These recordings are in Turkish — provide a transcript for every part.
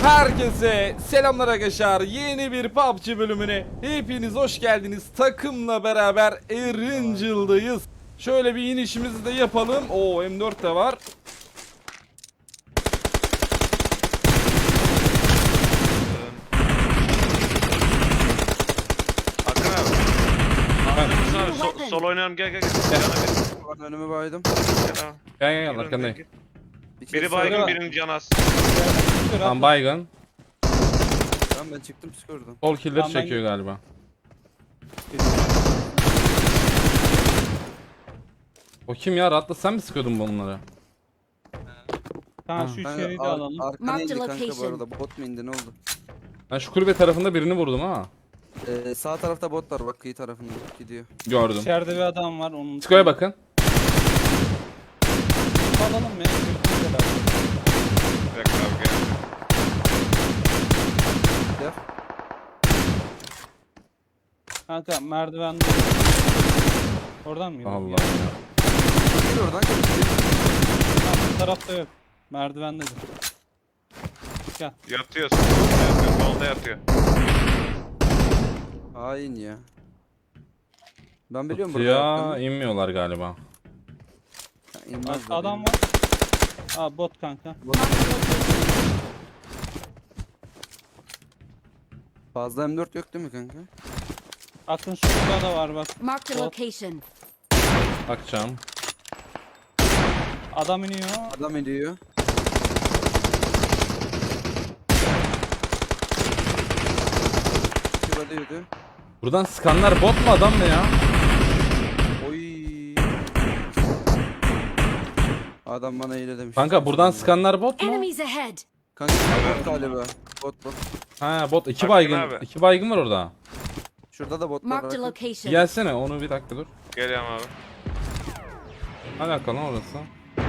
Herkese selamlar arkadaşlar. Yeni bir PUBG bölümüne hepiniz hoş geldiniz. Takımla beraber Erangel'dayız. Şöyle bir inişimizi de yapalım. Oo, M4 de var. Hakan abi. Hakan abi sol oynayalım gel. Bak önümü baydım. Gel arkandayım. Biri baygın birinin canı az. Tam baygın. Ben çıktım psikolojiden. Sol killer çekiyor galiba. O kim ya? Rahatla, sen mi sıkıyordun bunları? Tamam şu içeriği de alalım. Arkana indi Mark the kanka bu location. arada. Bot mu indi ne oldu? Ben şu kulübe tarafında birini vurdum ha. Sağ tarafta bot var bak kıyı tarafında gidiyor. Gördüm. İçeride bir adam var onun. Skoya bakın. Alalım ya. Bekle abi gel. Gel. Kanka merdivende. Oradan mı? Allah Ya. ya. Gel oradan gel. Tamam, bu tarafta yok. Merdivendedir. Gel. Yatıyor. Solda yatıyor. Hain ya. Ben biliyorum Ya inmiyorlar galiba. İnmez Adam var. Aa bot kanka. Fazla M4 yok değil mi kanka? Akın şurada da var bak. Marked a Bot. location. Bakacağım. Adam iniyor. Adam ediyor. Şurada yürüdü. Buradan sıkanlar bot mu adam mı ya? Oy. Adam bana eyle demiş. Kanka buradan sıkanlar bot mu? Enemies ahead. Kanka bot galiba. Bot. Ha bot, iki Hakkın baygın. abi. İki baygın var orada. Şurada da bot var. Marked a bakın. location. Gelsene, onu bir dakika dur. Geliyorum abi. Alakalı orası.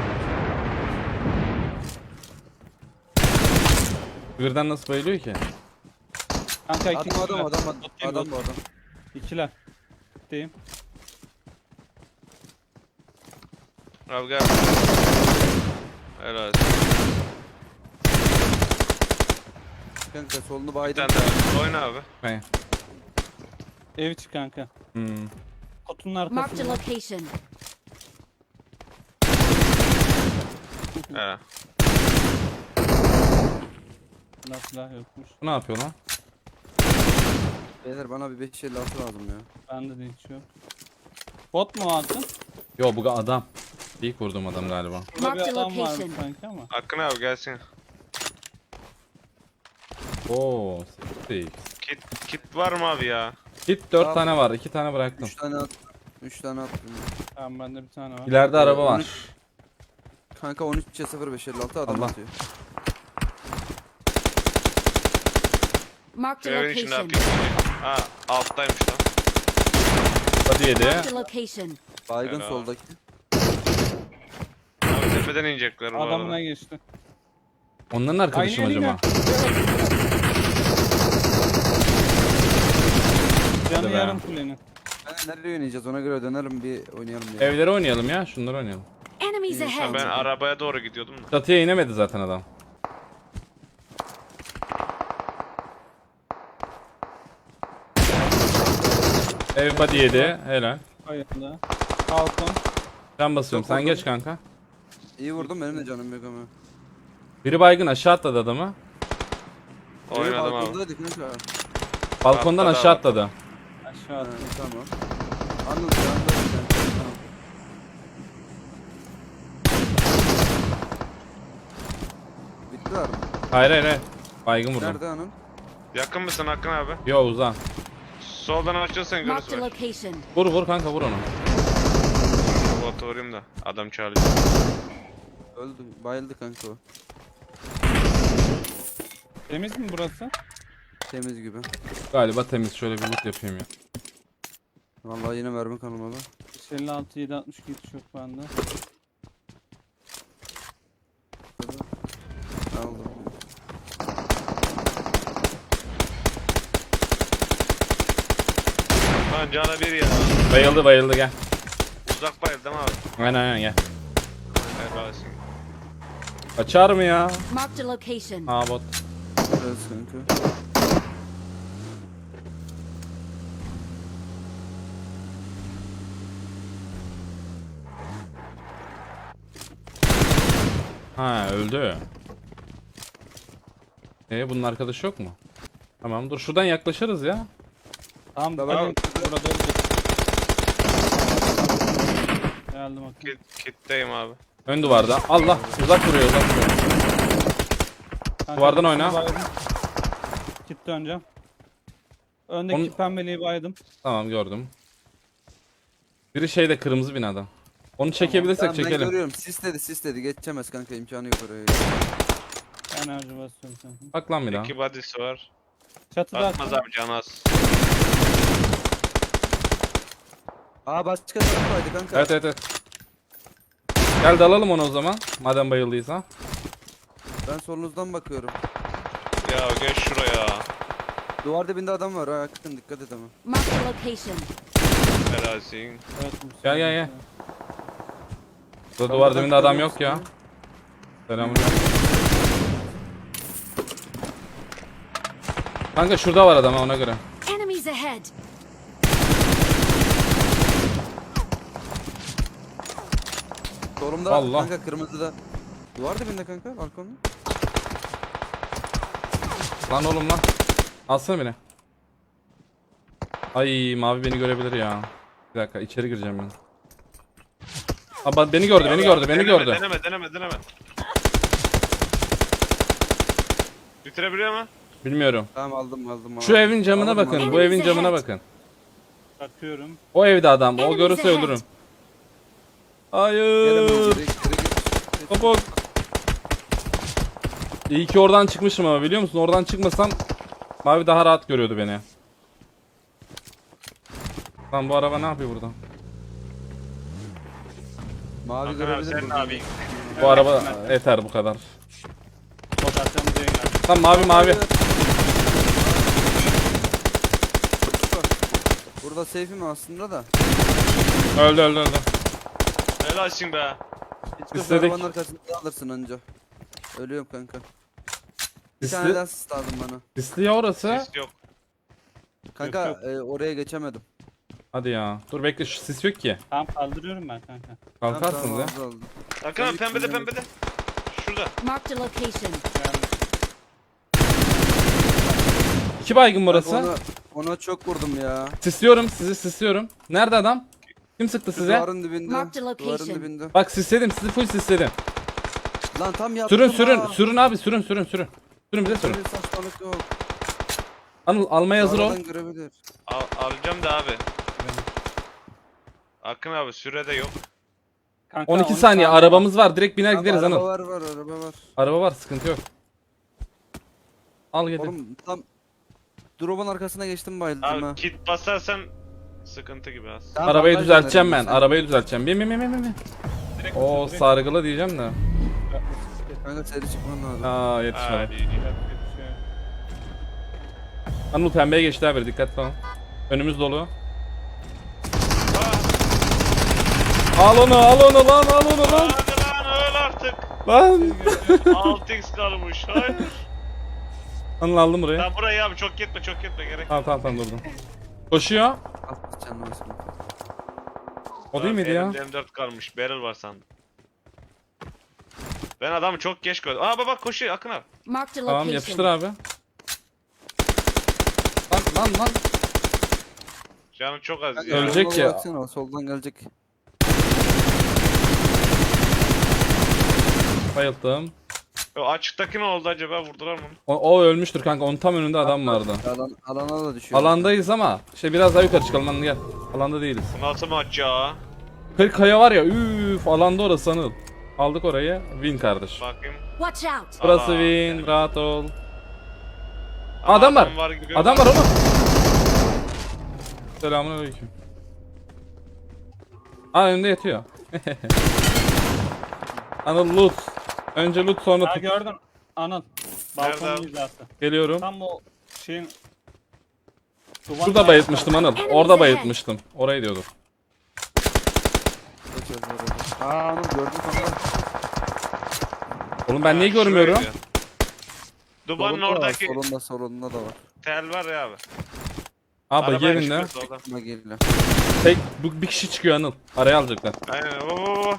Birden nasıl bayılıyor ki? Kanka iki Adam kişiler. adam Bot değil, adam bot. bu adam. İkiler. Deyim. Abi gel. Helal. Kanka solunu Bir baydım. tane daha. Oyna abi. He. Ev içi kanka. Hmm. Kutunun Marked a arkasında. location. He. Silah yokmuş. Bu ne yapıyor lan? Beyler bana bir 556 lazım ya. Bende de hiç yok. Bot mu aldın? Yo, bu adam. İlk vurdum adam galiba. Burada bir Marked a adam var location. sanki ama. Hakkın abi gelsin. Oo, six. Kit var mı abi ya? Hit 4 Tamam. tane var. 2 tane bıraktım. 3 tane at. 3 tane attım. Tamam bende bir tane var. İleride araba var. Kanka 13'e 0556 adam Allah. atıyor. Marked Şu a evin içinde location. abi. Ha alttaymış lan. Hadi yedi. Marked a location. Baygın Helal. soldaki. Abi tepeden inecekler bu Adamına arada. geçti. Onların arkadaşı mı Aynı acaba? Canı be. yarım kulenin. Nereye oynayacağız ona göre dönelim bir oynayalım ya. Evlere oynayalım ya. Şunları oynayalım. Enemies ahead. Ben arabaya doğru gidiyordum da. Çatıya inemedi zaten adam. Ev body yedi. Helal. Hayırlı. Balkon. Ben basıyorum. Sen geç kanka. İyi vurdum benim de canım yok ama. Biri baygın, aşağı atladı adamı. Oynadım abi. Balkondaydık kanka. Balkondan Atladı aşağı abi. atladı. Aşağı Ha, at. tamam. Anladım şu anda. Tamam. Bittiler mi? Hayır hayır hayır. Baygın vurdum. Nerede hanım? Yakın mısın Hakkın abi? Yo, uzan. Soldan açılırsan Marked a görürsün. location. Vur vur kanka, vur onu. Botu vurayım da adam çağırıyor. Öldü. Bayıldı kanka o. Temiz mi burası? Temiz gibi. Galiba temiz. Şöyle bir loot yapayım ya. Vallahi yine mermi kanımalı. 56 762 hiç yok bende. Aldım. Lan cana bir ya. Bayıldı bayıldı, gel. Uzak bayıldım abi. Aynen aynen, gel. Helal olsun. Açar mı ya? Marked a location. Ha bot. Biraz kanka. Ha öldü. Bunun arkadaşı yok mu? Tamam dur şuradan yaklaşırız ya. Tamam Tamam. burada olacak. Geldim bakayım. Kitleyim abi. Ön duvarda. Allah uzak vuruyor uzak vuruyor. Kanka, Duvardan birisini oyna. baydım. Kit döneceğim. Öndeki Onu- pembeliği baydım. Tamam gördüm. Biri şeyde kırmızı binada. Onu çekebilirsek Tamam, ben çekelim. görüyorum. Sisledi. Geçemez kanka, imkanı yok oraya. Enerji basıyorum kanka. Bak lan bir daha. 2 body'si var. Çatıda Atmaz abi can az. Aa başka taraf vardı kanka. Evet evet evet. Gel dalalım onu o zaman. Madem bayıldıysa. Ben solunuzdan bakıyorum. Ya gel şuraya. Duvar dibinde adam var ha, yakın dikkat et ama. Marked a location. Helalsin. Evet, Gel, gel, gel. Burada Ben duvar buradan dibinde adam görüyorum yok ya. sizi. Selamünaleyküm. Kanka şurada var adam ha, ona göre. Enemies ahead. Solumda Allah. kanka, kırmızıda. Duvar dibinde kanka, balkonda. Lan oğlum lan. Alsana beni. Ay mavi beni görebilir ya. Bir dakika içeri gireceğim ben. Aa, beni gördü beni gördü beni gördü. Deneme. Bitirebiliyor mu? Bilmiyorum. Tamam aldım. Şu evin camına Aldım, bakın. aldım. Bu evin camına bakın. Bakıyorum. O evde adam. O Enemies görürse ahead. öldürürüm. Gelemem, Hayır. geri git. Kabuk. İyi ki oradan çıkmışım ama biliyor musun? Oradan çıkmasam mavi daha rahat görüyordu beni. Lan bu araba ne yapıyor burada? Mavi Hakan abi görebilir sen miyim? ne yapayım? Bu araba yeter bu kadar. Rotasyonu diye geldi. Lan mavi. Burada safe'im aslında da. Öldü. Helalsin be. Hiç İstedik. arabanın arkasında alırsın anca. Ölüyorum kanka. Bir tane Sisli, daha sis lazım bana. sisli ya orası. Sis yok. Kanka Yok, oraya geçemedim. Hadi ya. Dur bekle şu sis yok ki. Tamam kaldırıyorum ben kanka. Kalkarsınız ya. aldım. Hakan abi pembede. Şurada. Marked a location. Geldim. 2 baygın burası. Ona çok vurdum ya. Sisliyorum sizi sisliyorum. Nerede adam? Kim sıktı size? Duvarın dibinde. Marked location. Duvarın dibinde. Bak sisledim sizi full sisledim. Lan tam yaptım Sürün abi sürün. Sürün bize sürün. Böyle saçmalık yok. Anıl almaya hazır ol. Aradan görebilir. Alacağım da abi. Hakan abi sürede yok. Kanka, 12 10 saniye arabamız var. Direkt biner Tamam, gideriz araba Anıl. var araba var. Araba var sıkıntı yok. Al gidin. Oğlum tam drop'un arkasına geçtim bayıldım Abi ha. kit basarsan sıkıntı gibi az. Tamam, Arabayı bandaj düzelteceğim ben. göndereyim sen. Arabayı düzelteceğim. Bin. Direkt O direkt. sargılı diyeceğim de. Kanka seri çıkman lazım. Aa yetişmedi. Hadi. Anıl pembeye geçti abi dikkatli ol. Önümüz dolu. Al onu lan al onu lan. Hadi lan öl artık. Lan. 6x kalmış. Hayır. Anıl aldım burayı. Lan burayı abi çok gitme gerek. Tamam durdum. Koşuyor. At canına basın. O değil miydi ya? Elimde M4 kalmış. Barrel var sandım. Ben adamı çok geç gördüm. Aa bak koşuyor Akın abi. Marked a Tamam yapıştır location. abi. Lan. Canım çok az Kanka, ya. Ölecek soluna ya. baksana, soldan gelecek. Bayıldım. O açıktaki ne oldu acaba? Vurdular mı onu? O ölmüştür kanka. Onun tam önünde adam vardı. Alana da düşüyor. Alandayız ama işte biraz daha yukarı çıkalım lan gel. Alanda değiliz. Bu nasıl maç ya? 40 kaya var ya üf alanda orası Anıl. Aldık orayı. Win kardeş. Bakayım. Watch out. Burası Allah. win. Rahat ol. Ama Adam var. gibi Adam var oğlum. Selamünaleyküm. Aa önünde yatıyor. Anıl loot. Önce loot sonra Ha tut. gördüm. Anıl. Nerede Balkonun abi? hizası. Geliyorum. Tam o şeyin... Şurada bayıltmıştım Anıl. Orada bayıltmıştım. Orayı diyordum. Aa onu gördüm kanka. Oğlum ben niye Ha, şurayı görmüyorum? diyor. Dubanın Solunda da var, oradaki solunda da var. tel var ya abi. Abi Arabaya gelin de. çıkıyor soldan. Ama geliyor. Tek bu bir kişi çıkıyor Anıl. Araya alacaklar. Aynen. Oo.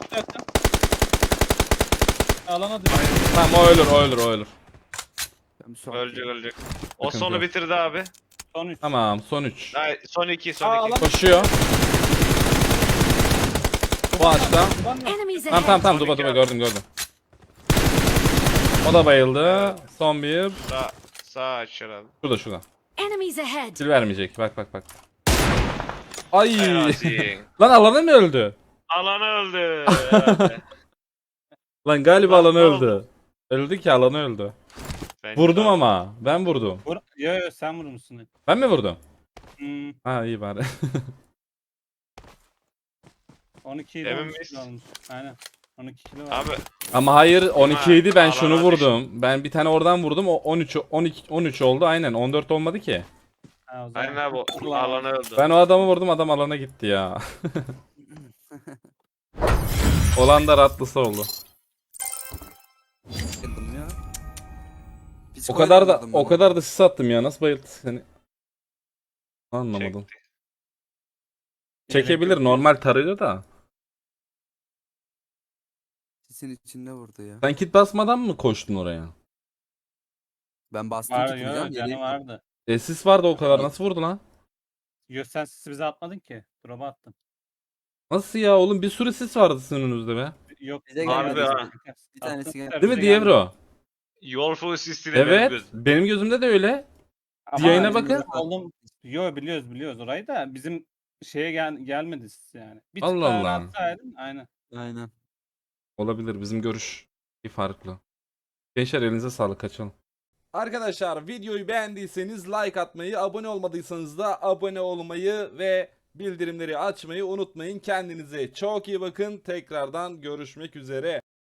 Alana düştü. Tamam o ölür, o ölür, o ölür. Ben şu an- Ölecek. O Sıkıntı sonu yok. bitirdi abi. Son 3. Tamam son 3. Ay, son 2 Aa, son 2. Koşuyor. Bu ağaçta. Enemies Tamam ahead. tamam duba gördüm. O da bayıldı. Son bir. Sağ aç herhalde. Şurada. Enemies ahead. Sil vermeyecek. Bak. Ay. Yasin. Lan alanı mı öldü? Alan öldü. Lan galiba Lan alanı ne oldu? öldü. Öldü ki alanı öldü. Bence Vurdum de. ama. Ben vurdum. Yo sen vurmuşsun. Ben mi vurdum? Hmm, Ha iyi bari. 12 ile Emin 13 miyiz? kilo olmuş. Aynen. 12 kilo var. Abi Ama hayır 12 idi ben alana şunu düştü. vurdum. Ben bir tane oradan vurdum. O 13 oldu aynen. 14 olmadı ki. Ha, o zaman. aynen abi o alan öldü. Ben o adamı vurdum adam alana gitti ya. Olan da ratlısı oldu. Geldim ya. O kadar da Psikoyla o kadar da sis attım ya. Nasıl bayıldı seni? Anlamadım. Çekti. Çekebilir normal tarıyor da. Sisin içinde vurdu ya. Sen kit basmadan mı koştun oraya? Ben bastım Var tutacağım. yo canı vardı. Sis vardı o kadar. Nasıl vurdu lan? Yo sen sisi bize atmadın ki. Drop'a attın. Nasıl ya oğlum bir sürü sis vardı sizin önünüzde be. Yok. Bize Harbi gelmedi. ha. Bir tanesi geldi. Değil mi Bize Dievro? Yol full sistiyle benim Evet. gözüm. Benim gözümde de öyle. Ama Yayına bizim bakın. oğlum- Yo biliyoruz orayı da bizim şeye gelmedi siz yani. Bir Allah tık daha Allah. atsaydın aynen. Aynen. Olabilir bizim görüş farklı. Gençler elinize sağlık kaçalım. Arkadaşlar videoyu beğendiyseniz like atmayı, abone olmadıysanız da abone olmayı ve bildirimleri açmayı unutmayın. Kendinize çok iyi bakın. Tekrardan görüşmek üzere.